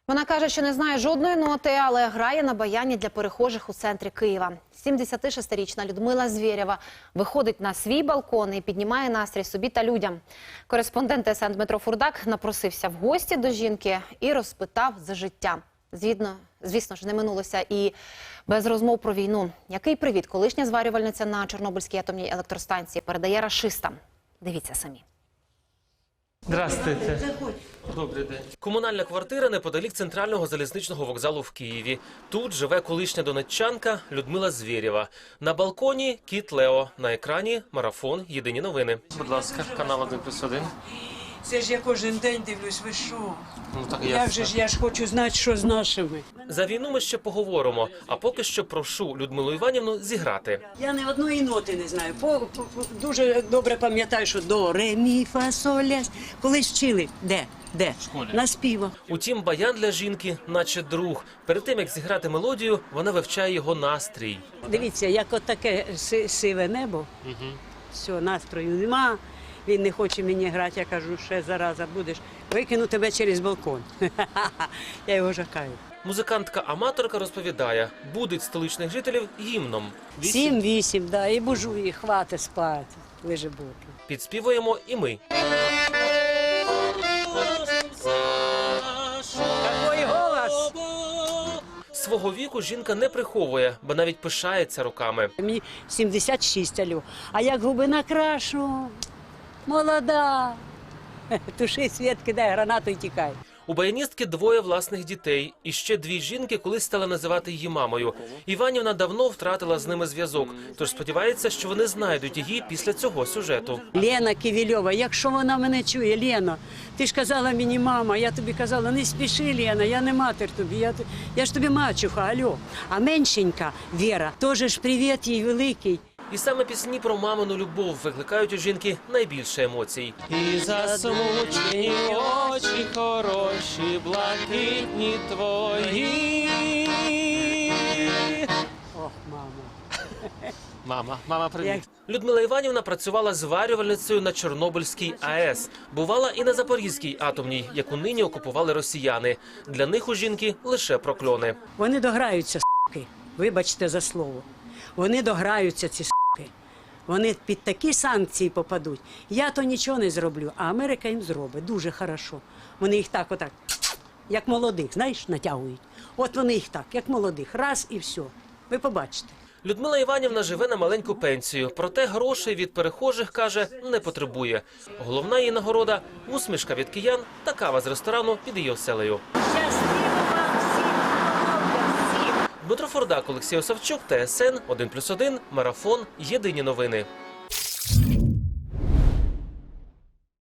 Вона каже, що не знає жодної ноти, але грає на баяні для перехожих у центрі Києва. 76-річна Людмила Звєрєва виходить на свій балкон і піднімає настрій собі та людям. Кореспондент ТСН Дмитро Фурдак напросився в гості до жінки і розпитав за життя. Звісно ж, не минулося і без розмов про війну. Який привіт колишня зварювальниця на Чорнобильській атомній електростанції передає рашистам? Дивіться самі. Здравствуйте. Добрий день. Комунальна квартира неподалік центрального залізничного вокзалу в Києві. Тут живе колишня донеччанка Людмила Звєрєва. На балконі кіт Лео. На екрані марафон «Єдині новини». Будь ласка, канал 1+1. Це ж я кожен день дивлюсь, ви що? Ну, так Я ж хочу знати, що з нашими. За війну ми ще поговоримо, а поки що прошу Людмилу Іванівну зіграти. Я не одної ноти не знаю. Дуже добре пам'ятаю, що до, ре, мі, фа, соль, ля. Колись вчили. Де? В школі. На співах. Утім, баян для жінки наче друг. Перед тим, як зіграти мелодію, вона вивчає його настрій. Дивіться, як от таке сиве небо. Все, настрою нема. Він не хоче мені грати, я кажу, ще зараза будеш, викину тебе через балкон. Я його жахаю. Музикантка-аматорка розповідає, будить столичних жителів гімном. 7-8, да, і бужу їх, хвати спати, лежи боки. Підспівуємо і ми. Такий голос! Свого віку жінка не приховує, бо навіть пишається роками. Мені 76, алло. А як губи накрашу, молода. Туши світ, кидай гранату і тікай. У баяністки двоє власних дітей. І ще дві жінки колись стали називати її мамою. Іванівна давно втратила з ними зв'язок, тож сподівається, що вони знайдуть її після цього сюжету. Лена Ківільова, якщо вона мене чує, Лена, ти ж казала мені, мама, я тобі казала, не спіши, Лена, я не матір тобі, я ж тобі мачуха, алло. А меншенька Віра, теж ж привіт їй великий. І саме пісні про мамину любов викликають у жінки найбільше емоцій. І засмучені очі хороші, блакитні твої. Ох, мама. Мама, привіт. Людмила Іванівна працювала зварювальницею на Чорнобильській АЕС. Бувала і на Запорізькій атомній, яку нині окупували росіяни. Для них у жінки лише прокльони. Вони дограються, с**ки, вибачте за слово. Вони дограються, ці с**ки. Вони під такі санкції попадуть. Я то нічого не зроблю, а Америка їм зробить. Дуже хорошо. Вони їх так, отак, як молодих, знаєш, натягують. От вони їх так, як молодих. Раз і все. Ви побачите. Людмила Іванівна живе на маленьку пенсію, проте грошей від перехожих, каже, не потребує. Головна її нагорода – усмішка від киян та кава з ресторану під її оселею. Дмитро Фурдак, Олексій Осавчук, ТСН 1+1, марафон «Єдині новини».